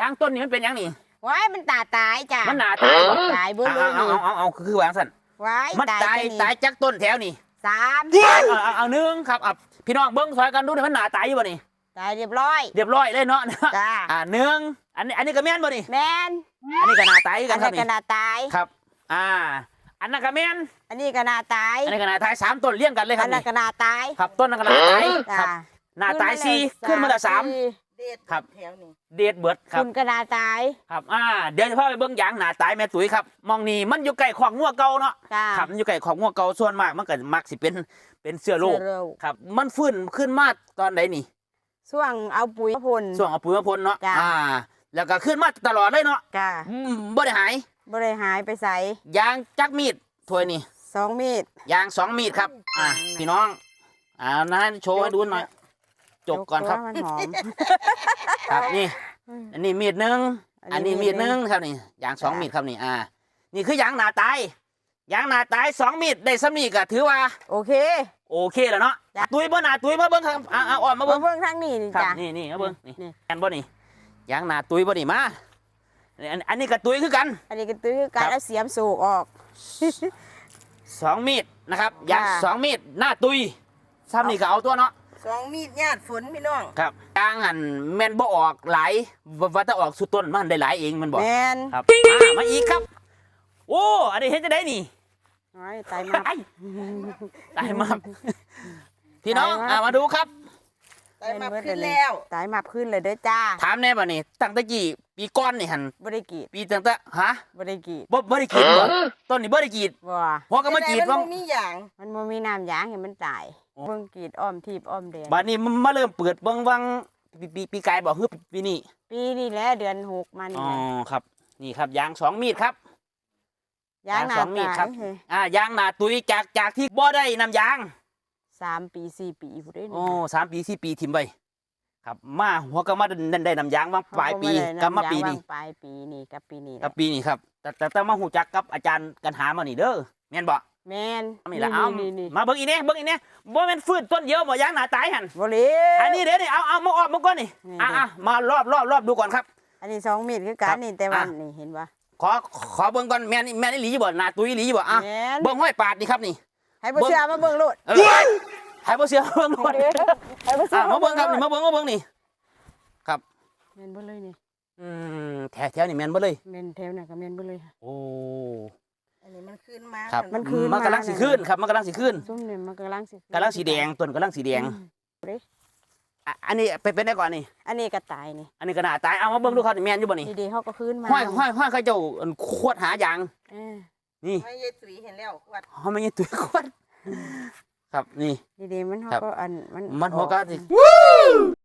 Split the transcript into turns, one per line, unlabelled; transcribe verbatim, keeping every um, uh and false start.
างต้นนี่มันเป็นยังนี่
ไว้มันตาตายจ้ะ
มันหนาตายบ่
ตายเบิ่ง
เอาเอาเอาเอาเอาคือวางสั่น
ไว้
มันตายตายจากต้นแถวนี่
สาม
เอาเอาเอาหนึ่งครับอ่ะพี่น้องเบิ้งซอยกันดูนี่มันหนาตายอยู่บ่นี่
ตายเรียบร้อย
เรียบร้อยเลยเนาะ
จ้า
อ่าหนึ่งอันนี้อันนี้ก็แม่นบ่นี่
แม่น
อันนี้ก็หนาตายกันครับ
นี่อันนี้ก็หนาตาย
ครับอ่าอันนั้นก็แม่น
อันนี้ก็หนาตาย
อันนี้ก็หนาตายสามต้นเลี้ยงกันเลยครั
บอันนั้นก็หนาตาย
ครับต้นนั้นก็หนาตายครับหนาตายสี่ขึ้นมาละสาม
เด็ด
ครับ
แถวนี้
เด็ดเบิดครับ
คุณก็หนาตาย
ครับอ่าเดี๋ยวจะพาไปเบิ้งยางหนาตายแม่ตุ๋ยครับมองนี่มันอยู่ใกล้ของงัวเก่าเนาะครับมันอยู่ใกล้ของงัวเก่าส่วนมากมันก็มักสิเป็นเป็นเสื้อโรคครับมันฟื้นขึ้นมาตอนไหนนี่
ช่วงเอาปุ๋ยมาพ่น
ช่วงเอาปุ๋ยมาพ่นเนาะอ่าแล้วก็ขึ้นมาตลอดเลยเนาะ
จ้า
บ่ได้หาย
บ่ได้หายไปใส่
ยางจักมีดถ้วยนี่
สองมีด
ยางสองมีดครับอ่าพี่น้องอ่านะโชว์ให้ดูหน่อยจบก่อนครับครับนี่อันนี้มีดหนึ่งอันนี้มีดหนึ่งครับนี่ยางสองมีดครับนี่อ่านี่คือยางหนาตายยางหนาตายสองมีดได้สำนีก็ถือว่า
โอเค
โอเคแล้วเนาะตุยบ่หนาตุยมาเบิ้งครับอ่าอ่อนมาเบิ้ง
เบิ้งทางนี้
จ้ะนี่นี่มาเบิ้งนี่กันบ่นี่ยางหนาตุยบ่นี่มาอันนี้ก็ตุยคือกัน
อันนี้ก็ตุยคือกันแล้วเสียมสูกออก
สองมีดนะครับยางสองมีดหน้าตุยซ้ำนี่ก็เอาตัวเนาะ
สองมีดญาติฝนพี่น้อง
ครับยางหันแม่นบ่ออกหลายว่าถ้าออกสุดต้นมันได้หลายเองมันบอก
แม่น
ครับมาอีกครับโอ้อันนี้เห็นจะได้นี่
ตายมา
ตายมาพี่น้องมาดูครับ
ตายมาขึ้นแล้วตายมาขึ้นเลยเด้อจ้า
ถามแน่ป่ะนี่ตั้งแต่กี่ปีก้อนนี่หัน
บริกีด
ปีตั้งแต่ฮะ
บริกีด
บ่บริกีดบ่ต้นนี่บริกีด
บ่
พอก็มากีดว่า
มันมีอย่างมันบ่มีน้ำยางเห็นมันตายเบิ่งกีดอ้อมทีบอ้อมแดง
บัดนี้มันมาเริ่มเปิดเบิ่งวังปีปีปีกายบอกคือปีนี้
ปีนี้แหละเดือนหกมัน
อ๋อครับนี่ครับยางสองมีดครับ
ยาง
สองมีดครับอ่ายางหนาตุยจากจากที่บ่ได้น้ำยาง
สามปีสี่ปีผู้ได้
โอ้สามปีสี่ปีทิมไปครับมาหัวก็มาได้น้ำยางมาปลายปีกับมาปีนี้
ปลายปีนี้กับปีนี้
กับปีนี้ครับแต่แต่มาหูจักกับอาจารย์กันหามานี่เด้อแม่นบ่
แม่น
นี่แหละเอามาเบิ่งอีเนี่ยเบิ่งอีเนี่ยบ่แม่นฟื้นต้นเดียวบ่ยางหนาตายหัน
บ่เลย
อันนี้เดี๋ยวนี่เอาเอามาออกมาก่อนนี่อ่ะมารอบรอบรอบดูก่อนครับ
อันนี้สองมีดคือกันนี่แต่วันนี่เห็นป่ะ
ขอขอเบิ่งก่อนแม่นแม่นอีหลีบ่หนาตุยอีหลีบ่อ่ะเบิ่งห้อยปาดนี่ครับนี่
ให้บ่เชื่อมาเบิ่งโลด
ให้บ่เชื่อเบิ่งโลดให้บ่เชื่อมาเบิ่งครับนี่มาเบิ่งมาเบิ่งนี่ครับ
แม่นบ่เลยนี่
อืมแถวแถวนี่แม่นบ่เลย
แม่นแถวน่ะก็แม่นบ่เลย
โอ้
อันนี้มันขึ้นมา
ครับมันขึ้นมันกำลังสิขึ้นครับมันกำลังสิขึ้น
ซุ่มนี่มันกำลังสิ
กำลังสีแดงต้นกำลังสีแดงอันนี้ไปเป็นได้ก่อนนี่
อันนี้ก็ตายนี่
อันนี้ก็น่าตายเอามาเบิ่งดูครับแม่นอยู่บ่นี่
ดีๆเขาก็ขึ้นมา
ห้อยห้อยห้อยเขาเจ้าขวดหายางนี่
ไม่ยายตุ๋ยเห็นแล้วขวด
เขาไม่ยายตุ๋ยขวดครับนี่
ดีๆมันเขาก็อันมัน
มันหัวก็สิ